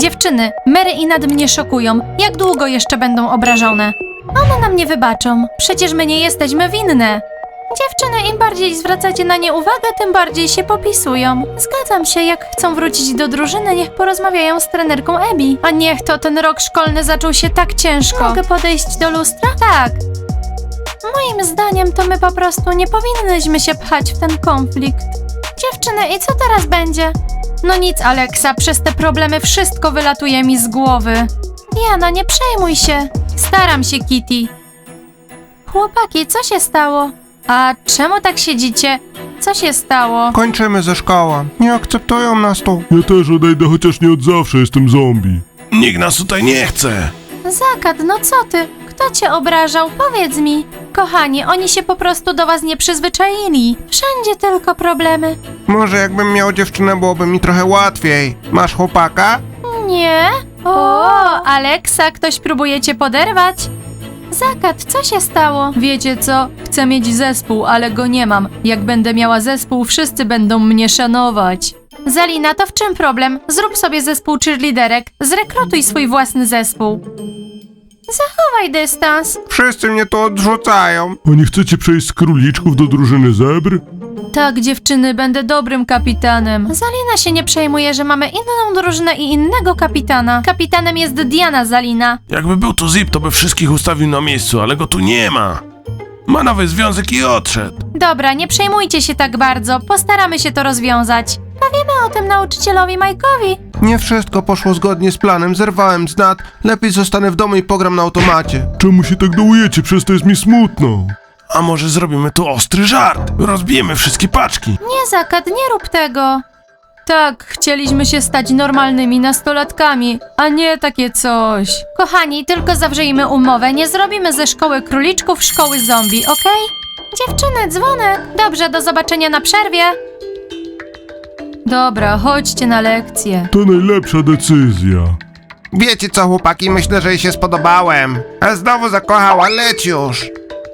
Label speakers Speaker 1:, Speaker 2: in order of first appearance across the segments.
Speaker 1: Dziewczyny, Mary i Nad mnie szokują. Jak długo jeszcze będą obrażone? One nam nie wybaczą. Przecież my nie jesteśmy winne. Dziewczyny, im bardziej zwracacie na nie uwagę, tym bardziej się popisują. Zgadzam się, jak chcą wrócić do drużyny, niech porozmawiają z trenerką Abby. A niech to ten rok szkolny zaczął się tak ciężko. Mogę podejść do lustra? Tak. Moim zdaniem to my po prostu nie powinnyśmy się pchać w ten konflikt. Dziewczyny, i co teraz będzie? No nic, Alexa, przez te problemy wszystko wylatuje mi z głowy. Diana, nie przejmuj się. Staram się, Kitty. Chłopaki, co się stało? A czemu tak siedzicie? Co się stało?
Speaker 2: Kończymy ze szkołą. Nie akceptują nas tu.
Speaker 3: Ja też odejdę, chociaż nie od zawsze jestem zombie.
Speaker 4: Nikt nas tutaj nie chce.
Speaker 1: Zakat, no co ty? Kto cię obrażał? Powiedz mi. Kochani, oni się po prostu do was nie przyzwyczaili. Wszędzie tylko problemy.
Speaker 2: Może jakbym miał dziewczynę, byłoby mi trochę łatwiej. Masz chłopaka?
Speaker 1: Nie? O, Alexa, ktoś próbuje cię poderwać? Zakat, co się stało? Wiecie co? Chcę mieć zespół, ale go nie mam. Jak będę miała zespół, wszyscy będą mnie szanować. Zalina, to w czym problem? Zrób sobie zespół cheerleaderek. Zrekrutuj swój własny zespół. Zachowaj dystans.
Speaker 2: Wszyscy mnie tu odrzucają.
Speaker 3: A nie chcecie przejść z króliczków do drużyny zebr?
Speaker 1: Tak, dziewczyny, będę dobrym kapitanem. Zalina się nie przejmuje, że mamy inną drużynę i innego kapitana. Kapitanem jest Diana, Zalina.
Speaker 4: Jakby był tu Zip, to by wszystkich ustawił na miejscu, ale go tu nie ma. Ma nowy związek i odszedł.
Speaker 1: Dobra, nie przejmujcie się tak bardzo. Postaramy się to rozwiązać. Powiemy o tym nauczycielowi Mike'owi.
Speaker 2: Nie wszystko poszło zgodnie z planem. Zerwałem z Nat. Lepiej zostanę w domu i pogram na automacie.
Speaker 3: Czemu się tak dołujecie? Przez to jest mi smutno.
Speaker 4: A może zrobimy tu ostry żart? Rozbijemy wszystkie paczki.
Speaker 1: Nie, Zakat, nie rób tego. Tak, chcieliśmy się stać normalnymi nastolatkami, a nie takie coś. Kochani, tylko zawrzyjmy umowę. Nie zrobimy ze szkoły króliczków szkoły zombie, okej? Dziewczyny, dzwonek. Dobrze, do zobaczenia na przerwie. Dobra, chodźcie na lekcję.
Speaker 3: To najlepsza decyzja.
Speaker 2: Wiecie co, chłopaki? Myślę, że jej się spodobałem. A znowu zakochała, leć już.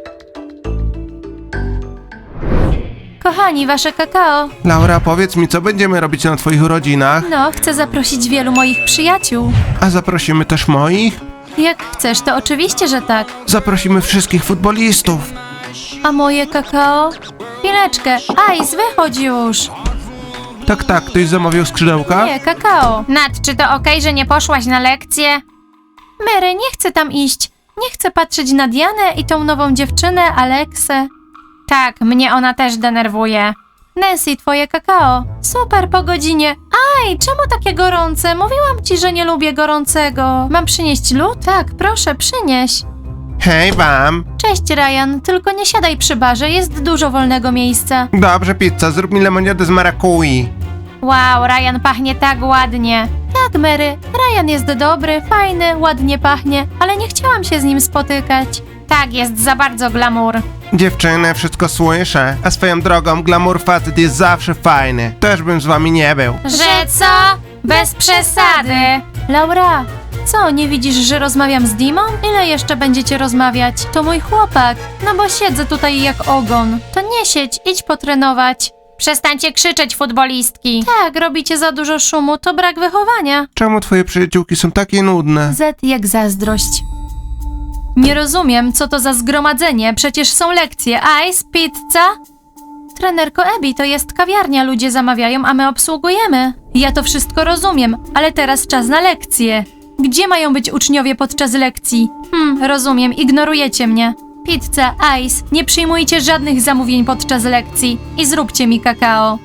Speaker 1: Kochani, wasze kakao.
Speaker 2: Laura, powiedz mi, co będziemy robić na twoich urodzinach?
Speaker 1: No, chcę zaprosić wielu moich przyjaciół.
Speaker 2: A zaprosimy też moich?
Speaker 1: Jak chcesz, to oczywiście, że tak.
Speaker 2: Zaprosimy wszystkich futbolistów.
Speaker 1: A moje kakao? Chwileczkę. Ice, wychodź już.
Speaker 2: Tak, ktoś zamawiał skrzydełka?
Speaker 1: Nie, kakao. Nat, czy to okej, że nie poszłaś na lekcję? Mary, nie chcę tam iść. Nie chcę patrzeć na Dianę i tą nową dziewczynę, Aleksę. Tak, mnie ona też denerwuje. Nancy, twoje kakao. Super, po godzinie. Aj, czemu takie gorące? Mówiłam ci, że nie lubię gorącego. Mam przynieść lód? Tak, proszę, przynieś.
Speaker 2: Hej wam.
Speaker 1: Cześć, Ryan, tylko nie siadaj przy barze, jest dużo wolnego miejsca.
Speaker 2: Dobrze, pizza, zrób mi lemoniadę z marakui.
Speaker 1: Wow, Ryan pachnie tak ładnie. Tak, Mary, Ryan jest dobry, fajny, ładnie pachnie, ale nie chciałam się z nim spotykać. Tak, jest za bardzo glamour.
Speaker 2: Dziewczyny, wszystko słyszę. A swoją drogą, glamour facet jest zawsze fajny. Też bym z wami nie był.
Speaker 1: Że co? Bez przesady. Laura, co, nie widzisz, że rozmawiam z Dimą? Ile jeszcze będziecie rozmawiać? To mój chłopak. No bo siedzę tutaj jak ogon. To nie siedź, idź potrenować. Przestańcie krzyczeć, futbolistki. Tak, robicie za dużo szumu, to brak wychowania.
Speaker 2: Czemu twoje przyjaciółki są takie nudne?
Speaker 1: Z jak zazdrość. Nie rozumiem, co to za zgromadzenie, przecież są lekcje. Ice, pizza? Trenerko Abby, to jest kawiarnia, ludzie zamawiają, a my obsługujemy. Ja to wszystko rozumiem, ale teraz czas na lekcje. Gdzie mają być uczniowie podczas lekcji? Rozumiem, ignorujecie mnie. Pizza, Ice, nie przyjmujcie żadnych zamówień podczas lekcji i zróbcie mi kakao.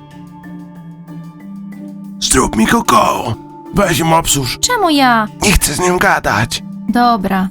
Speaker 4: Zrób mi kakao. Weź ją obsłuż.
Speaker 1: Czemu ja?
Speaker 2: Nie chcę z nią gadać.
Speaker 1: Dobra.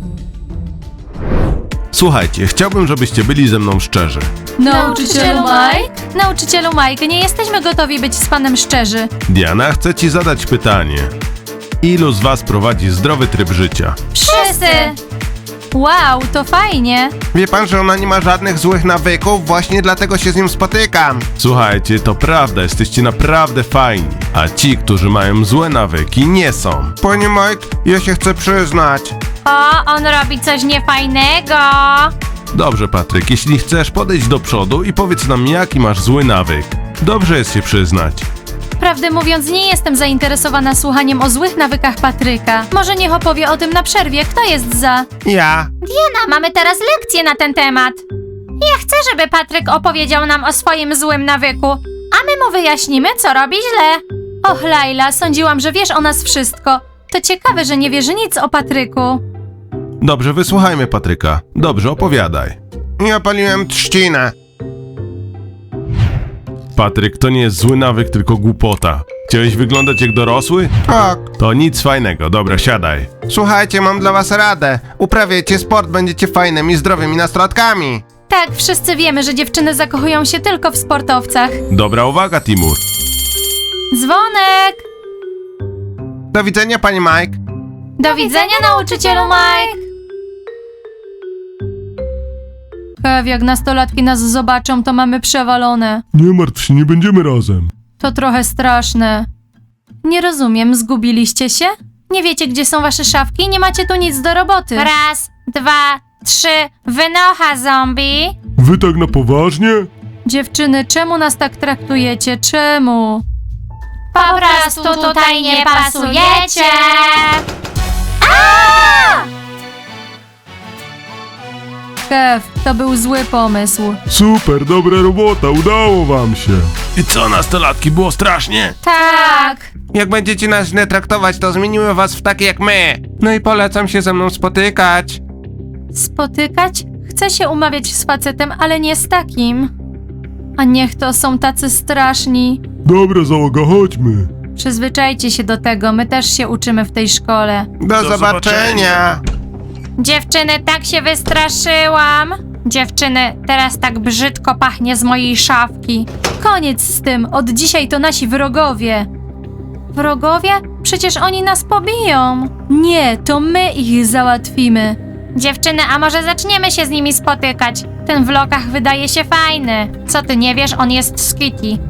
Speaker 4: Słuchajcie, chciałbym, żebyście byli ze mną szczerzy.
Speaker 1: Nauczycielu Mike? Nauczycielu Mike, nie jesteśmy gotowi być z panem szczerzy.
Speaker 4: Diana, chcę ci zadać pytanie. Ilu z was prowadzi zdrowy tryb życia?
Speaker 1: Wszyscy! Wow, to fajnie.
Speaker 2: Wie pan, że ona nie ma żadnych złych nawyków? Właśnie dlatego się z nią spotykam.
Speaker 4: Słuchajcie, to prawda, jesteście naprawdę fajni. A ci, którzy mają złe nawyki, nie są.
Speaker 2: Panie Mike, ja się chcę przyznać.
Speaker 1: O, on robi coś niefajnego.
Speaker 4: Dobrze, Patryk, jeśli chcesz, podejdź do przodu i powiedz nam, jaki masz zły nawyk. Dobrze jest się przyznać.
Speaker 1: Prawdę mówiąc, nie jestem zainteresowana słuchaniem o złych nawykach Patryka. Może niech opowie o tym na przerwie. Kto jest za?
Speaker 2: Ja.
Speaker 1: Diana, mamy teraz lekcję na ten temat. Ja chcę, żeby Patryk opowiedział nam o swoim złym nawyku, a my mu wyjaśnimy, co robi źle. Och, Laila, sądziłam, że wiesz o nas wszystko. To ciekawe, że nie wiesz nic o Patryku.
Speaker 4: Dobrze, wysłuchajmy Patryka. Dobrze, opowiadaj.
Speaker 2: Ja paliłem trzcinę.
Speaker 4: Patryk, to nie jest zły nawyk, tylko głupota. Chciałeś wyglądać jak dorosły?
Speaker 2: Tak.
Speaker 4: To nic fajnego. Dobra, siadaj.
Speaker 2: Słuchajcie, mam dla was radę. Uprawiajcie sport, będziecie fajnymi, zdrowymi nastolatkami.
Speaker 1: Tak, wszyscy wiemy, że dziewczyny zakochują się tylko w sportowcach.
Speaker 4: Dobra uwaga, Timur.
Speaker 1: Dzwonek!
Speaker 2: Do widzenia, pani Mike.
Speaker 1: Do widzenia, nauczycielu Mike! Kev, jak nastolatki nas zobaczą, to mamy przewalone.
Speaker 3: Nie martw się, nie będziemy razem.
Speaker 1: To trochę straszne. Nie rozumiem, zgubiliście się? Nie wiecie, gdzie są wasze szafki? Nie macie tu nic do roboty. Raz, dwa, trzy, wynocha zombie.
Speaker 3: Wy tak na poważnie?
Speaker 1: Dziewczyny, czemu nas tak traktujecie? Czemu? Po prostu tutaj nie pasujecie. Kev, to był zły pomysł.
Speaker 3: Super, dobra robota, udało wam się.
Speaker 4: I co, nastolatki, było strasznie?
Speaker 1: Tak.
Speaker 2: Jak będziecie nas źle traktować, to zmienimy was w takie jak my. No i polecam się ze mną spotykać.
Speaker 1: Spotykać? Chcę się umawiać z facetem, ale nie z takim. A niech to są tacy straszni.
Speaker 3: Dobra załoga, chodźmy.
Speaker 1: Przyzwyczajcie się do tego, my też się uczymy w tej szkole.
Speaker 2: Do zobaczenia.
Speaker 1: Dziewczyny, tak się wystraszyłam. Dziewczyny, teraz tak brzydko pachnie z mojej szafki. Koniec z tym, od dzisiaj to nasi wrogowie. Wrogowie? Przecież oni nas pobiją. Nie, to my ich załatwimy. Dziewczyny, a może zaczniemy się z nimi spotykać? Ten w lokach wydaje się fajny. Co ty nie wiesz, on jest z Kitty.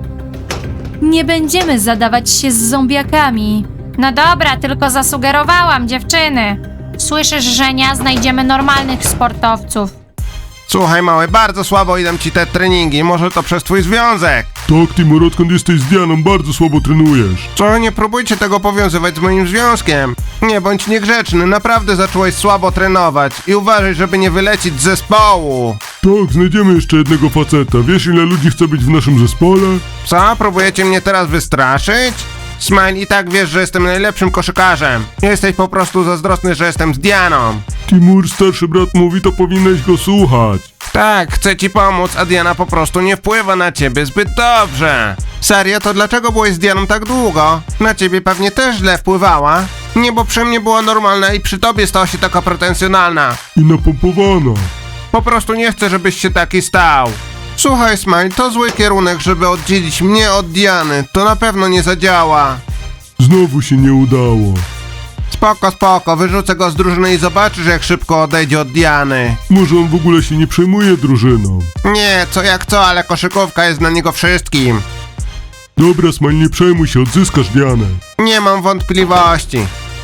Speaker 1: Nie będziemy zadawać się z zombiakami. No dobra, tylko zasugerowałam, dziewczyny. Słyszysz, Żenia? Znajdziemy normalnych sportowców.
Speaker 2: Słuchaj, mały, bardzo słabo idą ci te treningi. Może to przez twój związek.
Speaker 3: Tak, Timur, odkąd jesteś z Dianą, bardzo słabo trenujesz.
Speaker 2: Co, nie próbujcie tego powiązywać z moim związkiem. Nie bądź niegrzeczny, naprawdę zacząłeś słabo trenować. I uważaj, żeby nie wylecieć z zespołu.
Speaker 3: Tak, znajdziemy jeszcze jednego faceta. Wiesz, ile ludzi chce być w naszym zespole?
Speaker 2: Co, próbujecie mnie teraz wystraszyć? Smile, i tak wiesz, że jestem najlepszym koszykarzem. Jesteś po prostu zazdrosny, że jestem z Dianą.
Speaker 3: Timur, starszy brat mówi, to powinieneś go słuchać.
Speaker 2: Tak, chcę ci pomóc, a Diana po prostu nie wpływa na ciebie zbyt dobrze. Serio, to dlaczego byłeś z Dianą tak długo? Na ciebie pewnie też źle wpływała. Nie, bo przy mnie była normalna i przy tobie stała się taka pretensjonalna.
Speaker 3: I napompowana.
Speaker 2: Po prostu nie chcę, żebyś się taki stał. Słuchaj, Smile, to zły kierunek, żeby oddzielić mnie od Diany. To na pewno nie zadziała.
Speaker 3: Znowu się nie udało.
Speaker 2: Spoko, spoko, wyrzucę go z drużyny i zobaczysz, jak szybko odejdzie od Diany.
Speaker 3: Może on w ogóle się nie przejmuje drużyną.
Speaker 2: Nie, co jak co, ale koszykówka jest dla niego wszystkim.
Speaker 3: Dobra, Smile, nie przejmuj się, odzyskasz Dianę.
Speaker 2: Nie mam wątpliwości.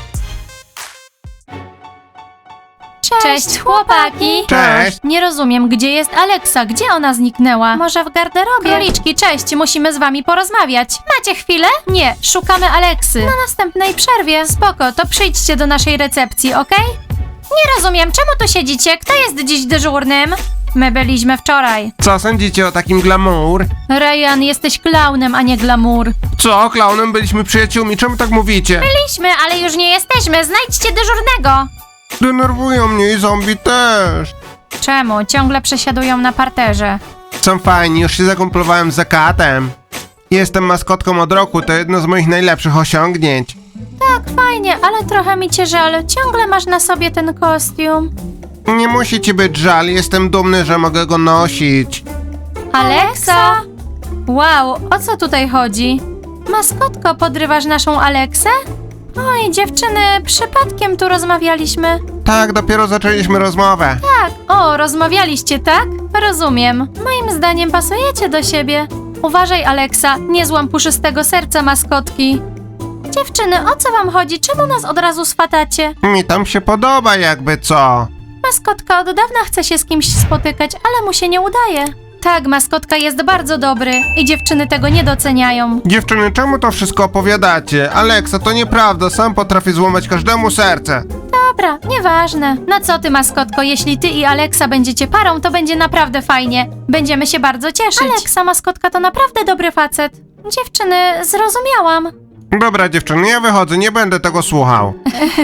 Speaker 1: Cześć, chłopaki!
Speaker 2: Cześć.
Speaker 1: Nie rozumiem, gdzie jest Aleksa? Gdzie ona zniknęła? Może w garderobie? Króliczki, cześć, musimy z wami porozmawiać. Macie chwilę? Nie, szukamy Aleksy. Na następnej przerwie. Spoko, to przyjdźcie do naszej recepcji, okej? Nie rozumiem, czemu tu siedzicie? Kto jest dziś dyżurnym? My byliśmy wczoraj.
Speaker 2: Co sądzicie o takim glamour?
Speaker 1: Ryan, jesteś klaunem, a nie glamour.
Speaker 2: Co, klaunem byliśmy przyjaciółmi, czemu tak mówicie?
Speaker 1: Byliśmy, ale już nie jesteśmy. Znajdźcie dyżurnego.
Speaker 2: Denerwują mnie i zombie też.
Speaker 1: Czemu? Ciągle przesiadują na parterze.
Speaker 2: Są fajni, już się zakumplowałem z Zakatem. Jestem maskotką od roku, to jedno z moich najlepszych osiągnięć.
Speaker 1: Tak, fajnie, ale trochę mi cię żal. Ciągle masz na sobie ten kostium.
Speaker 2: Nie musi ci być żal, jestem dumny, że mogę go nosić.
Speaker 1: Aleksa! Wow, o co tutaj chodzi? Maskotko, podrywasz naszą Aleksę? Oj, dziewczyny, przypadkiem tu rozmawialiśmy.
Speaker 2: Tak, dopiero zaczęliśmy rozmowę.
Speaker 1: Tak, o, rozmawialiście, tak? Rozumiem. Moim zdaniem pasujecie do siebie. Uważaj, Aleksa, nie złam puszystego serca maskotki. Dziewczyny, o co wam chodzi? Czemu nas od razu swatacie?
Speaker 2: Mi tam się podoba jakby co.
Speaker 1: Maskotka od dawna chce się z kimś spotykać, ale mu się nie udaje. Tak, maskotka jest bardzo dobry i dziewczyny tego nie doceniają.
Speaker 2: Dziewczyny, czemu to wszystko opowiadacie? Aleksa, to nieprawda, sam potrafię złamać każdemu serce.
Speaker 1: Dobra, nieważne. No co ty, maskotko, jeśli ty i Aleksa będziecie parą, to będzie naprawdę fajnie. Będziemy się bardzo cieszyć. Aleksa, maskotka, to naprawdę dobry facet. Dziewczyny, zrozumiałam.
Speaker 2: Dobra dziewczyny, ja wychodzę, nie będę tego słuchał.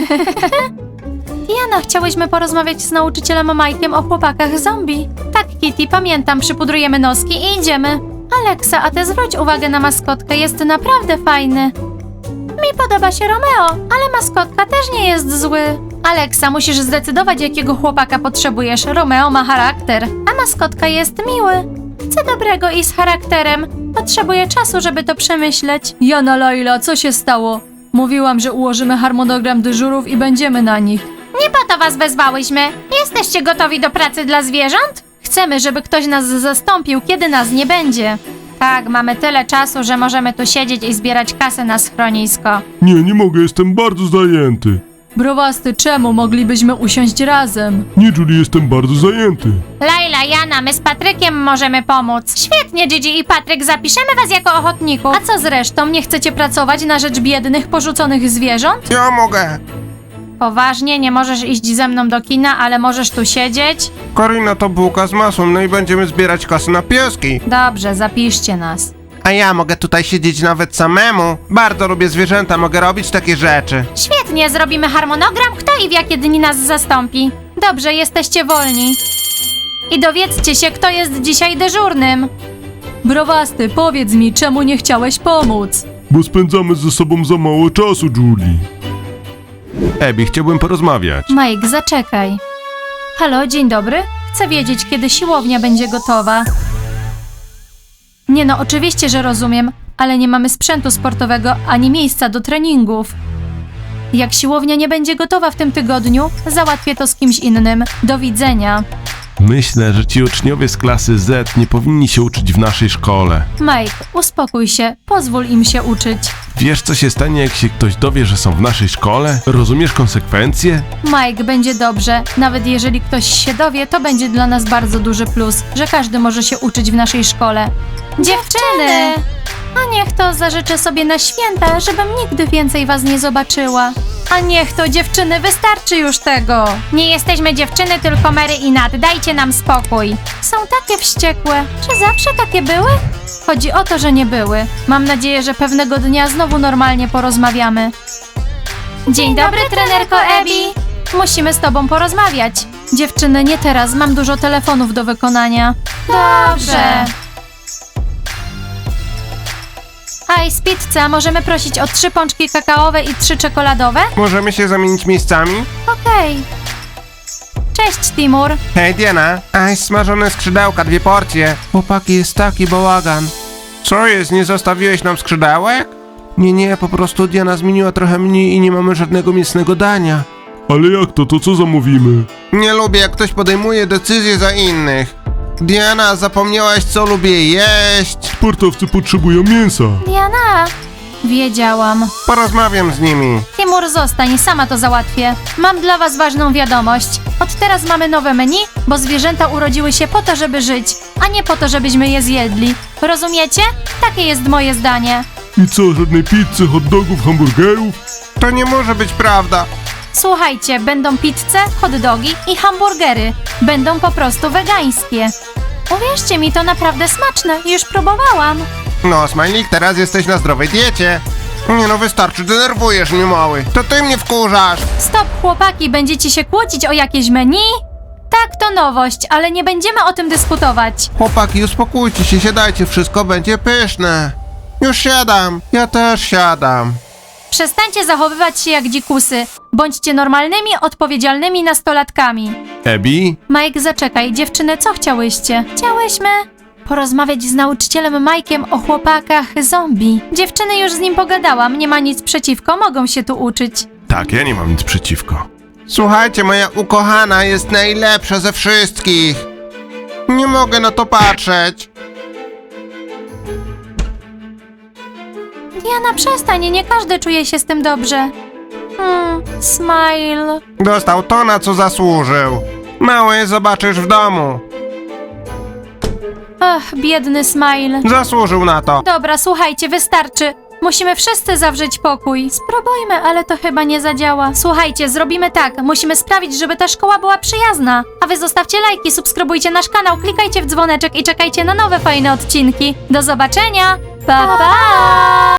Speaker 1: Diana, chciałyśmy porozmawiać z nauczycielem Mike'iem o chłopakach zombie. Tak, Kitty, pamiętam, przypudrujemy noski i idziemy. Aleksa, a ty zwróć uwagę na maskotkę, jest naprawdę fajny. Mi podoba się Romeo, ale maskotka też nie jest zły. Aleksa, musisz zdecydować, jakiego chłopaka potrzebujesz. Romeo ma charakter, a maskotka jest miły. Chcę dobrego i z charakterem. Potrzebuję czasu, żeby to przemyśleć. Jana, Laila, co się stało? Mówiłam, że ułożymy harmonogram dyżurów i będziemy na nich. Nie po to was wezwałyśmy. Jesteście gotowi do pracy dla zwierząt? Chcemy, żeby ktoś nas zastąpił, kiedy nas nie będzie. Tak, mamy tyle czasu, że możemy tu siedzieć i zbierać kasę na schronisko.
Speaker 3: Nie mogę, jestem bardzo zajęty.
Speaker 1: Browasty, czemu moglibyśmy usiąść razem?
Speaker 3: Nie, Julie, jestem bardzo zajęty.
Speaker 1: Laila, Jana, my z Patrykiem możemy pomóc. Świetnie, Gigi i Patryk, zapiszemy was jako ochotników. A co z resztą? Nie chcecie pracować na rzecz biednych, porzuconych zwierząt?
Speaker 2: Ja mogę.
Speaker 1: Poważnie, nie możesz iść ze mną do kina, ale możesz tu siedzieć?
Speaker 2: Karina to bułka z masłem, no i będziemy zbierać kasę na pieski.
Speaker 1: Dobrze, zapiszcie nas.
Speaker 2: A ja mogę tutaj siedzieć nawet samemu. Bardzo lubię zwierzęta, mogę robić takie rzeczy.
Speaker 1: Świetnie, zrobimy harmonogram, kto i w jakie dni nas zastąpi. Dobrze, jesteście wolni. I dowiedzcie się, kto jest dzisiaj dyżurnym. Browasty, powiedz mi, czemu nie chciałeś pomóc?
Speaker 3: Bo spędzamy ze sobą za mało czasu, Julie.
Speaker 4: Ebi, chciałbym porozmawiać.
Speaker 1: Mike, zaczekaj. Halo, dzień dobry. Chcę wiedzieć, kiedy siłownia będzie gotowa. Nie no, oczywiście, że rozumiem, ale nie mamy sprzętu sportowego ani miejsca do treningów. Jak siłownia nie będzie gotowa w tym tygodniu, załatwię to z kimś innym. Do widzenia.
Speaker 4: Myślę, że ci uczniowie z klasy Z nie powinni się uczyć w naszej szkole.
Speaker 1: Mike, uspokój się, pozwól im się uczyć.
Speaker 4: Wiesz, co się stanie, jak się ktoś dowie, że są w naszej szkole? Rozumiesz konsekwencje?
Speaker 1: Mike, będzie dobrze. Nawet jeżeli ktoś się dowie, to będzie dla nas bardzo duży plus, że każdy może się uczyć w naszej szkole. Dziewczyny! A niech to zażyczę sobie na święta, żebym nigdy więcej was nie zobaczyła. A niech to, dziewczyny, wystarczy już tego. Nie jesteśmy dziewczyny, tylko Mary i Nat. Dajcie nam spokój. Są takie wściekłe. Czy zawsze takie były? Chodzi o to, że nie były. Mam nadzieję, że pewnego dnia znowu normalnie porozmawiamy. Dzień dobry, trenerko Ebi. Musimy z tobą porozmawiać. Dziewczyny, nie teraz. Mam dużo telefonów do wykonania. Dobrze. Ice Pizza, możemy prosić o 3 pączki kakaowe i 3 czekoladowe?
Speaker 2: Możemy się zamienić miejscami?
Speaker 1: Okej. Cześć, Timur.
Speaker 2: Hej Diana, smażone skrzydełka, 2 porcje. Chłopaki, jest taki bałagan. Co jest, nie zostawiłeś nam skrzydełek? Nie, po prostu Diana zmieniła trochę mniej i nie mamy żadnego mięsnego dania.
Speaker 3: Ale jak to? To co zamówimy?
Speaker 2: Nie lubię, jak ktoś podejmuje decyzje za innych. Diana, zapomniałaś, co lubię jeść?
Speaker 3: Sportowcy potrzebują mięsa.
Speaker 1: Diana. Wiedziałam.
Speaker 2: Porozmawiam z nimi.
Speaker 1: Timur, zostań, sama to załatwię. Mam dla was ważną wiadomość. Od teraz mamy nowe menu, bo zwierzęta urodziły się po to, żeby żyć, a nie po to, żebyśmy je zjedli. Rozumiecie? Takie jest moje zdanie.
Speaker 3: I co, żadnej pizzy, hot dogów, hamburgerów?
Speaker 2: To nie może być prawda.
Speaker 1: Słuchajcie, będą pizze, hot dogi i hamburgery. Będą po prostu wegańskie. Uwierzcie mi, to naprawdę smaczne. Już próbowałam.
Speaker 2: No, Smajlik, teraz jesteś na zdrowej diecie. Nie no, wystarczy, denerwujesz mnie, mały. To ty mnie wkurzasz.
Speaker 1: Stop, chłopaki, będziecie się kłócić o jakieś menu? Tak, to nowość, ale nie będziemy o tym dyskutować.
Speaker 2: Chłopaki, uspokójcie się, siadajcie, wszystko będzie pyszne. Już siadam, ja też siadam.
Speaker 1: Przestańcie zachowywać się jak dzikusy. Bądźcie normalnymi, odpowiedzialnymi nastolatkami.
Speaker 4: Ebi?
Speaker 1: Mike, zaczekaj, dziewczyny, co chciałyście? Chciałyśmy porozmawiać z nauczycielem Mike'iem o chłopakach zombie. Dziewczyny, już z nim pogadałam, nie ma nic przeciwko, mogą się tu uczyć.
Speaker 4: Tak, ja nie mam nic przeciwko.
Speaker 2: Słuchajcie, moja ukochana jest najlepsza ze wszystkich. Nie mogę na to patrzeć.
Speaker 1: Diana, przestań, nie każdy czuje się z tym dobrze. Smile.
Speaker 2: Dostał to, na co zasłużył. Mały, zobaczysz w domu.
Speaker 1: Ach, biedny Smile.
Speaker 2: Zasłużył na to.
Speaker 1: Dobra, słuchajcie, wystarczy. Musimy wszyscy zawrzeć pokój. Spróbujmy, ale to chyba nie zadziała. Słuchajcie, zrobimy tak. Musimy sprawić, żeby ta szkoła była przyjazna. A wy zostawcie lajki, subskrybujcie nasz kanał, klikajcie w dzwoneczek i czekajcie na nowe fajne odcinki. Do zobaczenia. Pa, pa!